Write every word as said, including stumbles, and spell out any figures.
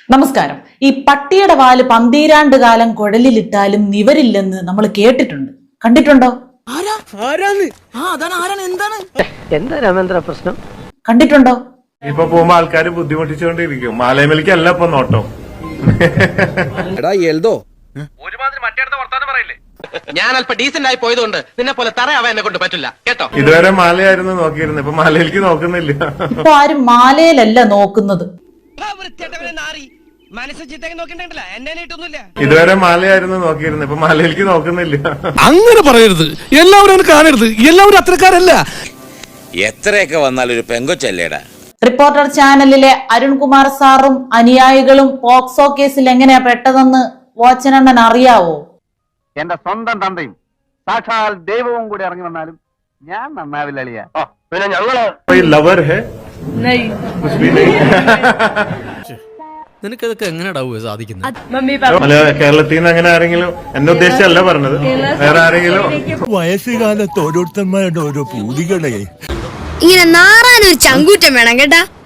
നമസ്കാരം. ഈ പട്ടിയുടെ വാല് പന്തീരാണ്ട് കാലം കുഴലിലിട്ടാലും നിവരില്ലെന്ന് നമ്മൾ കേട്ടിട്ടുണ്ട്, കണ്ടിട്ടുണ്ടോ? പ്രശ്നം കണ്ടിട്ടുണ്ടോ? ഇപ്പൊ പോകുമ്പോ ആൾക്കാര് ബുദ്ധിമുട്ടിച്ചുകൊണ്ടിരിക്കും. മാലയമലിക്കല്ല ഇപ്പൊ നോട്ടം. ഞാൻ അല്പം ഡീസന്റ് ആയി പോയതുകൊണ്ട് നിന്നെ പോലെ തറയാവാൻ എന്നെ കൊണ്ട് പറ്റില്ല കേട്ടോ. ഇതുവരെ മാലയായിരുന്നു നോക്കിയിരുന്നത്, ഇപ്പൊ മാലയിലേക്ക് നോക്കുന്നില്ല. ഇപ്പൊ ആരും മാലയിലല്ല നോക്കുന്നത്. ഇതുവരെ മാലയായിരുന്നു നോക്കിയിരുന്നത്, ഇപ്പൊ മാലയിലേക്ക് നോക്കുന്നില്ല. അങ്ങനെ പറയരുത്, എല്ലാവരും കാണരുത്, എല്ലാവരും അത്രക്കാരല്ല. എത്രയൊക്കെ വന്നാൽ ഒരു പെങ്കൊച്ചല്ലേടാ. റിപ്പോർട്ടർ ചാനലിലെ അരുൺകുമാർ സാറും അനുയായികളും പോക്സോ കേസിൽ എങ്ങനെയാ പെട്ടതെന്ന് വാച്ചനണ്ണൻ അറിയാവോ? എന്റെ സ്വന്തം തന്തയും സാക്ഷാൽ ദൈവവും കൂടി ഇറങ്ങി വന്നാലും ഞാൻ നന്നാവില്ല അളിയ. പിന്നെ ഞങ്ങള് ലവർ ഹേ നിനക്കതൊക്കെ എങ്ങനെയാ സാധിക്കുന്നത്? അല്ല, കേരളത്തിൽ നിന്ന് അങ്ങനെ ആരെങ്കിലും, എന്നെ ഉദ്ദേശിച്ചല്ല പറഞ്ഞത്, വേറെ ആരെങ്കിലും. വയസ്സുകാലത്ത് ഓരോരുത്തന്മാരുടെ ഓരോ പൂതികളെ ഇങ്ങനെ നാറാനൊരു ചങ്കൂറ്റം വേണം കേട്ടാ.